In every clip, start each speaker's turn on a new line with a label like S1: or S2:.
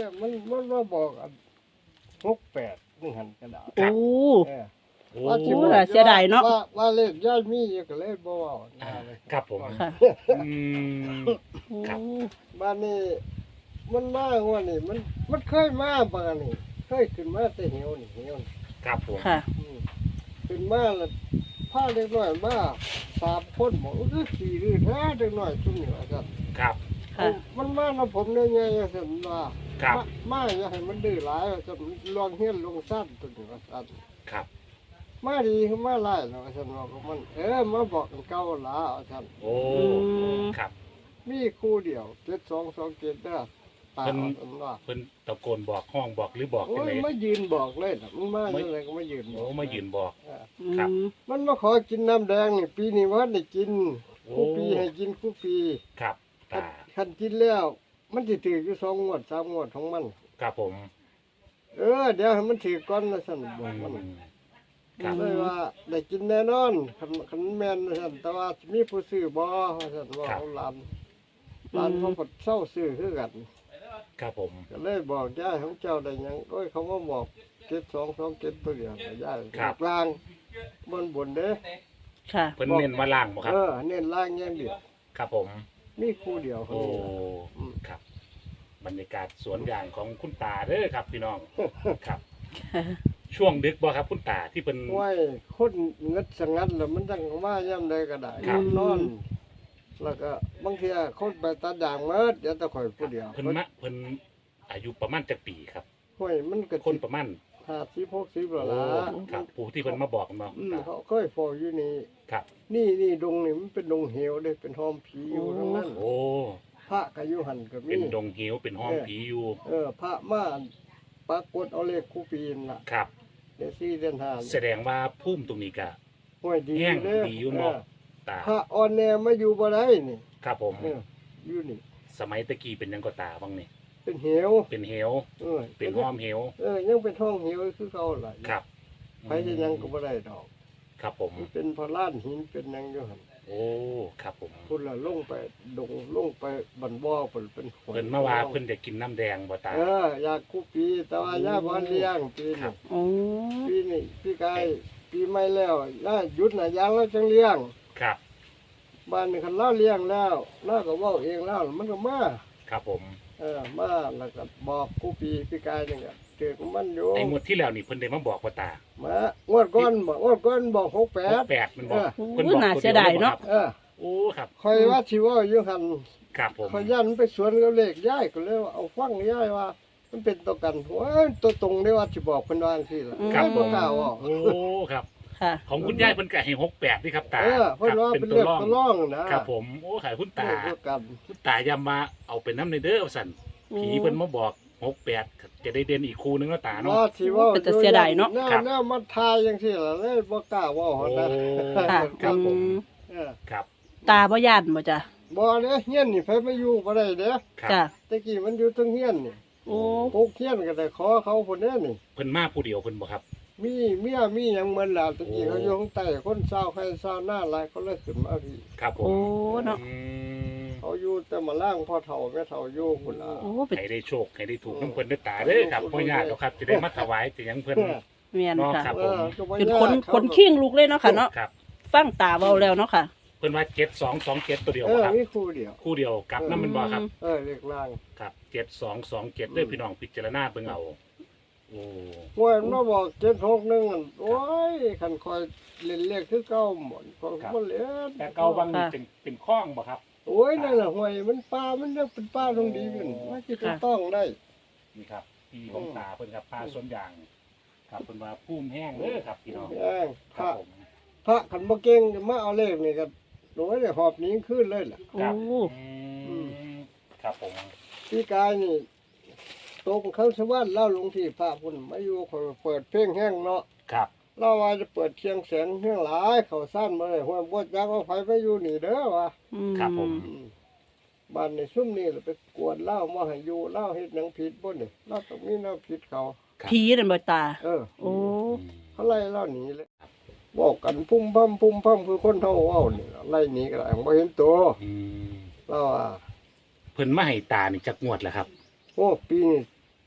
S1: มันมาบอก68นี่หันกระดาษ
S2: โอ้
S1: เออ
S3: โอ้
S1: ว่าสิ
S2: โอ้
S1: บอก
S2: ล่ะเสียดายเนาะ
S1: ว่าเลขย่ายมีอยู่ก็เลยบ่เว้าเลย
S3: ครับผม
S2: ค่ะ
S3: อืม
S2: โอ้
S3: ครับ
S1: บ้านนี้มันมาว่านี่มันเคยมาบ้านนี่เคยขึ้นมาแต่เหี่ยวนี่
S3: ครับผม
S2: ค่ะ
S1: ขึ้นมาแล้วพาเด็กน้อยมา3คนบอกคือขี่ดื้อแท้เด็กน้อยซุ่มนี่ว่าซั่น
S3: ครับ
S2: ค่ะ
S1: มันมาแล้วผมได้ไงว่าซั่นว่า
S3: ครับ
S1: มาอย่าให้มันดื้อหลายว่าซั่นลองเฮียนลงสั้นตัวนี้ว่าซั่น
S3: ครับ
S1: มาดีคือมาหลายเนาะว่าซั่นว่ามันมาบอกกันเก่าหลาว่าซั่น
S3: โอ้
S2: ม
S3: ครับ
S1: มีคู่เดียว7227เด้อตา
S3: เพิ่น
S1: ว่าซั่นว่า
S3: เพิ่นตะโกนบอกห้องบอกหรือบอก
S1: โอ้
S3: จัง
S1: ย
S3: ได๋
S1: มายืนบอกเลยน่ะมันมาจังไดก็มายืนบ
S3: โอ้
S1: อก
S3: มายืนบอก
S1: เออ
S2: อื
S3: ครับ
S2: ม
S1: มันมาขอกินน้ำแดงนี่ปีนี้ว่าได้กิน
S3: โอ้
S1: คู่ปีให้กินคู่ปี
S3: ครับตา
S1: คันกินแล้ว มันสิถืออยู่2งวด3งวดของมัน
S3: ครับผม
S1: เดี๋ยวให้มันถือก่อนนะซั่นบอกมัน
S3: ครับ
S1: เลยว่าได้กินแน่นอนคันแม่นว่าซั่นแต่ว่าสิมีผู้ซื้อบ่ว่าซั่นว่าเอาหลานเขาก็เศร้าซื้อคือกัน
S3: ครับผม
S1: ก็เลยบอกย่าของเจ้าได้หยังโอ้ยเขามาบอก7227ตัวเดียวย่าลางบนเด้อ
S2: ค่ะ
S3: เพิ่นเน้นว่าล่างบ่ครับ
S1: เน้นล่างอย่างเดียว
S3: ครับผม
S1: มีคู่เดียวคน
S3: โอ้
S1: เดียว
S3: ครับ บรรยากาศสวนยางของคุณตาเด้อครับ พี่น้อง ครับ ช่วงดึกบ่ครับคุณตาที่เพิ่น
S1: ไว้คนเงิดสงัดแล้วมันจังมาย่ำใดก็ได้
S3: ครับ
S1: นอน แล้วก็บางทีคนไปตัดยางเมิดเดี๋ยวแตะข่อยผู้เดียว
S3: เพิ่นอายุประมาณจักปีครับ
S1: ห้วยมันก็
S3: คนประมาณ
S1: 50 60แล้วล่ะ
S3: ครับผู้ที่เพิ่นมาบอกเนาะ
S1: เขาเคยฟออยู่นี่
S3: ครับ
S1: นี่ดงนี่มันเป็นดงเหวเด้เป็นห้อมผีอยู่ทั้งนั้น
S3: โอ้
S1: พระก็อยู่หันก็มี
S3: เป็นดงเหวเป็นห้องผีอยู่
S1: พระมาปรากฏเอาเลขคู่ปีนล่ะ
S3: ครับ
S1: เดือน4เดือน
S3: แสดงว่าพุ่มตรงนี้ก็
S1: 5ห้วยดี
S3: แห้ง
S1: เด้อ
S3: ดีอยู่เนาะตา
S1: พระอ่อนแนมาอยู่บ่ได้นี่
S3: ครับผม
S1: อยู่นี่
S3: สมัยตะกี้เป็นหยังก็ตาบ้างนี่
S1: เป็นเหว
S3: เป็นเหว
S1: เออ
S3: เป็นห้อมเหว
S1: ยังเป็นห้องเหวคือเขาหลาย
S3: ครับ
S1: ไปจะยังก็บ่ได้ดอก
S3: ครับผม
S1: มันเป็นพระล้านหินเป็นหยังอยู่หั่น
S3: โอ้ครับผม
S1: พุ่นละลงไปดงลงไปบันบ่อเพิ่นเป็นหอย
S3: เพิ่นมาว่าเพิ่นจะกินน้ำแดงบ่ตา
S1: อยากคู่ปีแต่ว่าย่าบ่เลี้ยงปี
S3: ครั
S1: นี้
S3: บ
S2: โอ้
S1: ปีนี้พี่กายปีใหม่แล้วย่าหยุดน่ะยางแล้วจังเลี้ยง
S3: ครับ
S1: บ้านนี้คันเราเลี้ยงแล้วเราก็เว้าเองแล้วมันก็มา
S3: ครับผม
S1: มาแล้วก็บอกคู่ปีพี่กายนี่ก็เจอกับมันอยู่
S3: ไอ้งวดที่แล้วนี่เพิ่นได้มาบอกว่าตาม
S1: างวดก่อนบอก68
S3: 68มันบอก
S2: โอ้
S3: เพิ่นบอก
S2: น่า
S3: ตัว
S2: เสียดายเนาะ
S3: โอ้ครับ
S1: คอยว่าสิเว่าอยู่หั่น
S3: ครับผม
S1: ขยันไปสวนกับเลขย้ายก็เลยว่าเอาฟังย้ายว่า มันเป็นตัวกันโอ้ยตัวตรงได้ว่าสิบอกเพิ่นว่าจังซี่ล่ะ
S3: ครับผ
S1: บ่
S3: ม
S1: กล้าเว้า
S3: โอ้ครับ
S2: ค่ะ
S3: ของคุณยายเพิ่นก็ให้68นี่ครับตา
S1: เพิ่นว่า
S3: ครับ
S1: เป็นเรื่องตัวร่องนะครับ
S3: ผมโอ้ขายคุณตา
S1: ตัวกัน
S3: คุณตาย้ำมาเอาเป็นน้ำในเด้อว่าซั่นผีเพิ่นมาบอก68จะได้เด่นอีกคู่นึงเนาะตาเนาะ
S1: ว่าสิเว้า
S2: เป็นแต่เสียดายเนาะ
S3: ครับ
S1: แนวมันทายจังซี่ล่ะเลยบ่กล้าเว้า
S3: โอ้
S1: หั่นนะ
S2: ค่ะ
S3: ครับผม ครับ
S2: ตาบ่ย่านบ่จ้ะ
S1: บ่เด้เฮียนนี่ไผมาอยู่บ่ได้เด้
S3: ครับ
S2: จ้ะ
S1: แตะกี้มันอยู่เทั้งเฮียนนี่
S2: โอ้
S1: ปลูกเฮียนก็ได้ขอเขาพุ่นเด้นี่
S3: เพิ่นมาผู้เดียวเพิ่นบ่ครับ
S1: มีเมียมีหยังเหมือนล่ะตะกี้
S3: โอ้
S1: เขาอยู่ข้างใต้คนเศร้าใครเศร้าหน้าหลายเขาเลยขึ้นมาพี่
S3: ครับผม
S2: โอ้เนาะ
S3: อืม
S1: เขาอยู่แต่มาล่างพ่อเฒ่าแม่เฒ่าอยู่พุ่นล่ะ
S2: โอ้เป็น
S3: ให้ได้โชคให้ได้ถูกน้ำเพิ่นได้ตาเด้อครับบ่ยากหรอกครับจะได้มาถวายแต่หยังเพิ่น
S2: เมียนค่ะ
S3: ครับ
S1: ก็บ่
S2: เป็น
S1: ยาก
S2: คน
S1: เขา
S2: คนขิ้งลูกเลยเนาะค่ะเนาะ
S3: ครับ
S2: ฟังตาเว้าแล้วเนาะค่ะ
S3: เพิ่นว่า7227ตัวเดียว
S1: เอ
S3: บ่
S1: อ
S3: ครับ
S1: มีคู่เดียว
S3: คู่เดียวกลับนำมันบ่ครับ
S1: เรียกล่าง
S3: ครับ7227เด้อพี่น้องพิจารณาเบิ่งเอาโอ้
S1: งวยมันมาบอก761อั่นโอ้ยคันคอยเล่นเลขคือเก่าหมดคอยบ่เล่น
S3: แต่เก่าบางนี่เป็นคล้องบ่ครับ
S1: โอ้ยนั่นน่ะห้วยมันป่ามันยังเป็นป่าตรงดีอยู่ว่าสิจะต้องได้
S3: นี่ครับพี่ของตาเพิ่นครับปลาสวนยางครับเพิ่นว่าภูมิแห้งเด้อครับพี่น้อง
S1: แองพ
S3: ครั
S1: ระ
S3: บผม
S1: พระคันบ่เก่งจะมาเอาเลขนี่ก็โอ้ยได้หอบหนีขึ้นเลยล่ะ
S2: โอ้
S3: ครับครับผม
S1: พี่กายนี่ตรงเขาสวรรค์เล่าลงที่พระพุ่นมาอยู่คอยเปิดเพลงแห้งเนาะ
S3: ครับ
S1: เราว่าจะเปิดเชียงแสนเพียงหลายเขาสั้นมาเลยหัวบดจักเอาไฟไปอยู่นี่เด้อวะ
S3: ครับผม
S1: บ้านในซุ่มนี่ไปกวดเหล้ามาให้อยู่เหล้าเฮ็ดหนังผิดบ่นี่เราต้องมีแนวผิดเขา
S2: ผีนั่นบ่ตา โอ้
S1: เขาไล่เหล้าหนีเลยบอกกันพุ่มพั่มคือคนเท่าเว้านี่ล่ะไล่หนีก็ได้บ่เห็นตัว
S3: อืม
S1: เราว่า
S3: เพิ่นมาให้ตานี่จักงวดแล้วครับ
S1: โอ้ปีนี้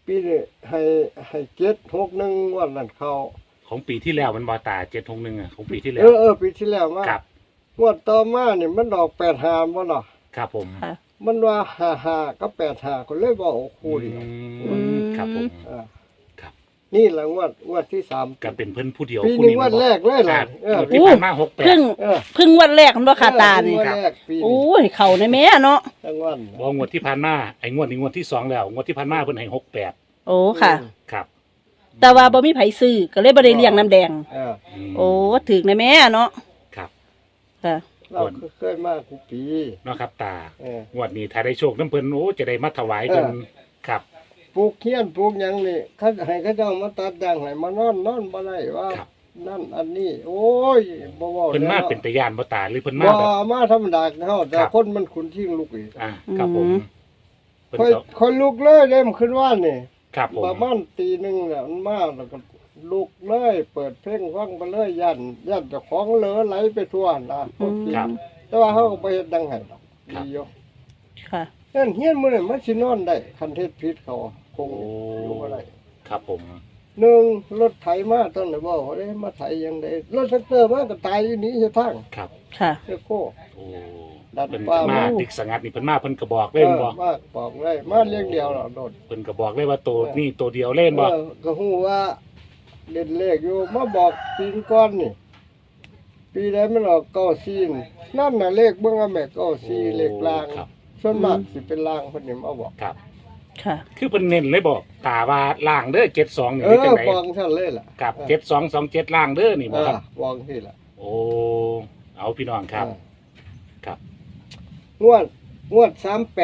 S1: ปีนี้ให้761วันนั้นเขา
S3: ของปีที่แล้วมันบอตา761อ่ะของปีที่แล้ว
S1: ปีที่แล้วมา
S3: ครับ
S1: งวดต่อมานี่มันออก85บ่เนาะ
S3: ครับผม
S2: ค่ะ
S1: มันว่า55กับ85ก็เลยบ่เอาคู่เดียว
S3: ครับผม
S1: อ่า
S3: ครับ
S1: นี่แหละงวดที่3
S3: ก็เป็นเพิ่นผู้เดียว
S1: ปี
S3: ผู้
S1: นี้วันแรกเลยล่ะ
S3: ที่ผ่านมา
S2: เพิ่ง
S1: เออ
S2: เพิ่งวันแรกมันบ่ค่ะตานี่
S1: วันแรกปี
S2: โอ้
S1: นี้
S2: ยเข้าในแม่เนาะ
S1: ทั้งวัน
S3: บ่งวดที่ผ่านมาไอ้งวดนี้งวดที่2แล้วงวดที่ผ่านมาเพิ่นให้68
S2: โอ้ค่ะ
S3: ครับ
S2: แต่ว่าบ่มีไผซื้อก็เลยบ่ได้เลี้ยงน้ำแดง
S1: เออ
S3: ม
S2: โอ้ถึกในแม่เนาะ
S3: ครับ
S2: ค่ะ
S1: เราเคยมาทุกปี
S3: เนาะครับตา
S1: เออ
S3: งวดนี้ถ้าได้โชคน้ำเพิ่นโอ้จะได้มาถวายเพิ่นครับ
S1: ปลูกเขียนปลูกหยังนี่เขาให้เขาเจ้ามาตัดด่างให้มานอนบ่ได้ว่า
S3: ครับ
S1: นั่นอันนี้ โอ้ยบ่เว้า
S3: เพิ่นมา
S1: แล้ว
S3: เป็นตะยานบ่ตาหรือเพิ่นมา
S1: บ่
S3: แบบ
S1: มาธรรมดาเฮาแต่
S3: ครับ
S1: คนมันขุนทิ้งลูกอีก
S3: ครับผม
S2: อืม
S3: เพิ่น
S1: ค่อย
S3: ก็
S1: ค่อยลุกเลยเด้มขึ้นว่านนี่
S3: ครับผม
S1: ประมาณตีหนึงน่ะมันมาแล้วก็ลุกเลย เปิดเพลงฟังไปเลยย่านเจ้าของเหลือไหลไปทั่วน่ะคนกิน
S3: ครับ
S1: แต่ว่าเฮาก็บ่เฮ็ดดังให้ดอก
S3: ครับ
S1: ดีอยู่
S2: ค่ะ
S1: นั่นเฮียนมื้อนี้มันสินอนได้คันเฮ็ดผิดเขาคง
S3: โอ้
S1: อยู่บ่ได้
S3: ครับผม
S1: หนึ่งรถไถมาตอนไหนบอกว่าได้มาไถยังไงรถแท็กเตอร์มาก็ตายอยู่นี้จะทั้ง
S3: ครับ
S2: ค่ะ
S1: เจ้าโค
S3: โอ้
S1: ดัด
S3: เพิ่น
S1: ปลา
S3: ก็มา
S1: หมู
S3: ติกสงัดนี่เพิ่นมาเพิ่นก็บอก
S1: เอ
S3: เล่น
S1: อ
S3: บ่
S1: มาบอกเลยมาเลี้ยงเดียวหรอโดด
S3: เพิ่นก็บอกเลยว่าตัวนี่ตัวเดียวเล่นบ่
S1: ก็ฮู้ว่าเด่นเลขอยู่มาบอกปีก้อนนี่ ปีใดมันออกเก้าซีนนั่นน่ะเลขเบิ่งว่าแม่เก้าซีเลขลาง
S3: ครับ
S1: ส่วนมากสิเป็นลางเพิ่นนี่มาบอก
S3: ครับ
S2: ค่ะ
S3: คือเพิ่นเน้นเลยบอกตาว่าล่างเด้อ72นี่
S1: เอ
S3: มี
S1: อ
S3: จังได
S1: บอกท่านเลยล่ะ
S3: กับ7227ล่างเด้อนี่
S1: เอ
S3: บ่
S1: อ
S3: ครับ
S1: บอกที่ล่ะ
S3: โอ้เอาพี่น้องครับ ครับ
S1: งวด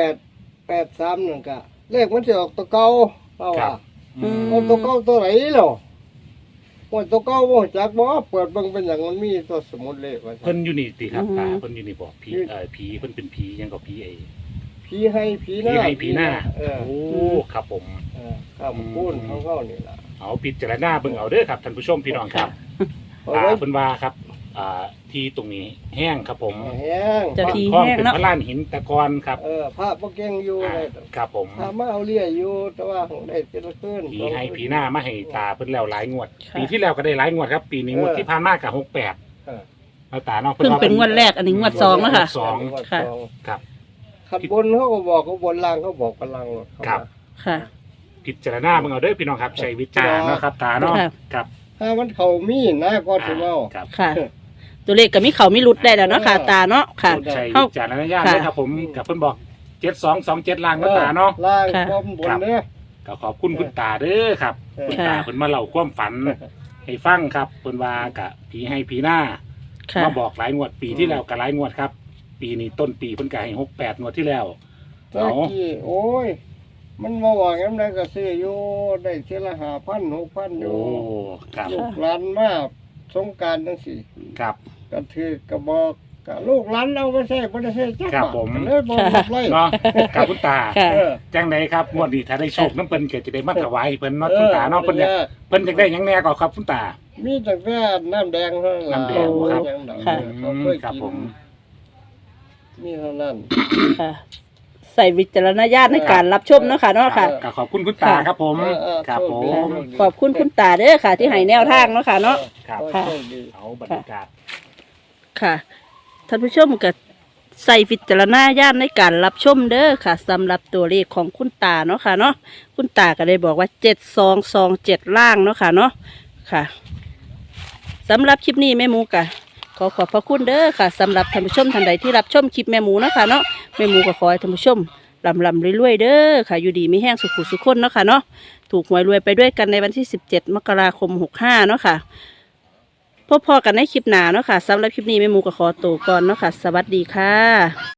S1: 3883นั่นก็เลขมันสิออกตัวเก่าเพราะ
S3: ครั
S1: ว่า
S3: บ
S2: อืม
S1: เอาตัวเก่าตัวไหนหรอว่าตัวเก่าบ่จักบ่เปิดเบิ่งเป็นหยังมันมีตัวสมุดเลขว่า
S3: เพิ่นอยู่นี่ติครับ
S2: อือฮึ
S3: ตาเพิ่นอยู่นี่บอกผีผีเพิ่นเป็นผียังก็ผีไอ้
S1: ผีให้ผีห
S3: ผี
S1: น้า
S3: ให้ผีหน้า
S1: เออ
S3: โอ้ครับผม
S1: ครับพูนของเขานี่ล่ะ
S3: เอาพิจารณาเบิ่งเอาเด้อครับท่านผู้ชมพี่น้องครับ
S1: เอา
S3: ตา
S1: ไว้
S3: เพิ่นว่าครับที่ตรงนี้แห้งครับผม
S1: แห้ง
S2: เจ้าที่
S3: คล้อง
S2: แห้ง
S3: เป็น
S2: เนาะ
S3: พระลานหินตะกอนครับ
S1: พระบ่เก่งอยู่เลย
S3: ครับผม
S1: พระมาเอาเลี้ยอยู่แต่ว่าของได้แต่ละคืน
S3: ผีให้ผีหน้ามาให้ตาเพิ่นแล้วหลายงวด
S2: ค่ะ
S3: ปีที่แล้วก็ได้หลายงวดครับ ปีนี้งวดที่ผ่านมากับ68
S1: เออ
S3: แล้วตาเนาะ
S2: เพิ่งเป็นงวดแรกอันนี้งวดสองแล้วค่ะ
S3: สอง
S2: ค่ะ
S3: ครับ
S1: ขัดบนเขาก็บอกเขาบนล่างเขาบอกกันล่างหมดเขา
S3: ครับ
S2: ค่ะ
S3: พิจารณาเบิ่งเอาเด้อพี่น้องครับใช้วิจารณ์เนาะครับตาเนาะ
S2: ค่ะ
S3: ครับ
S1: ถ้ามันเขามีนะก็สิเว้า
S3: ครับ
S2: ค่ะ ตัวเลขก็มีเขามีหลุดได้แล้วเนาะค่ะ ตาเนาะค่ะ
S3: ใช้
S2: เอ้า
S3: วิจารณญาณด้วยครับผมกับเพิ่นบอก7227ล่างเนาะตาเนาะ
S1: ล่าง
S2: ค่ะ
S1: พร้อมบนเนี่ย
S3: ก็ขอบคุณคุณตาเด้อครับ คุณตาเพิ่นมาเล่าความฝันให้ฟังครับเพิ่นว่ากะผีให้ผีหน้า
S2: ค่ะ
S3: มาบอกหลายงวดปีที่แล้วก็หลายงวดครับ ปีนี้ต้นปีเพิ่นก็ให้68งวดที่แล้ว
S1: ตะกี้โอ้ย มันมาว่างั้นได้ก็ซื้ออยู่ได้เท่าละ5,000 6,000อ
S3: โอ้
S1: ยู่
S3: ครับ
S1: ลูกหลานมาสงกรารจังซี่
S3: ครับ
S1: ก็ถือก็บอกก็ลูกหลานเอาไปใช้บ่ได้ใช้จัก
S3: ครับ
S1: บาท
S3: ผม
S1: เลยบ่หมดเลย
S3: เนาะกับคุณตา
S2: ค่ะ
S1: เออ
S3: จังไดครับงวดนี้ถ้าได้โชคน้ำเพิ่นก็จะได้มาถวายเพิ่นเนาะคุณตาเนาะเพิ่นอยากเพิ่นอยากได้หยังแน่ก็ครับคุณตา
S1: มีตั้งแต่น้ำแดงเท่านั้นล่ะ
S3: น้ำแดงครับ
S2: ค่ะ
S1: เขาเคย
S3: ครับ
S1: กิน
S3: ผม
S1: มีเท่านั้น
S2: ค่ะ ใส่วิจารณญาณในการรับชมเนาะค่ะเนาะค่ะ
S3: ก็ขอบคุณคุณตาครับผม ครับผม
S2: ขอบคุณคุณตาเด้อค่ะ ที่ให้แนวทางเนาะค่ะเนาะ
S3: ครับ
S2: ค่ะ
S1: โชคดี
S3: เอาบรรยากาศ
S2: ค่ะท่านผู้ชมก็ใส่วิจารณญาณในการรับชมเด้อค่ะสำหรับตัวเลขของคุณตาเนาะค่ะเนาะคุณตาก็ได้บอกว่า7227ล่างเนาะค่ะเนาะค่ะสำหรับคลิปนี้แม่หมูกะขอขอบพระคุณเด้อค่ะสำหรับท่านผู้ชมท่านใดที่รับชมคลิปแม่หมูเนาะค่ะเนาะแม่หมูก็ขอให้ท่านผู้ชมลำรวยๆเด้อค่ะอยู่ดีมีแห้งสุขุสุขคนเนาะค่ะเนาะถูกหวยรวยไปด้วยกันในวันที่17 มกราคม 65เนาะค่ะ พบพอกันในคลิปหน้าเนาะค่ะสำหรับคลิปนี้แม่หมูก็ขอตัวก่อนเนาะค่ะ สวัสดีค่ะ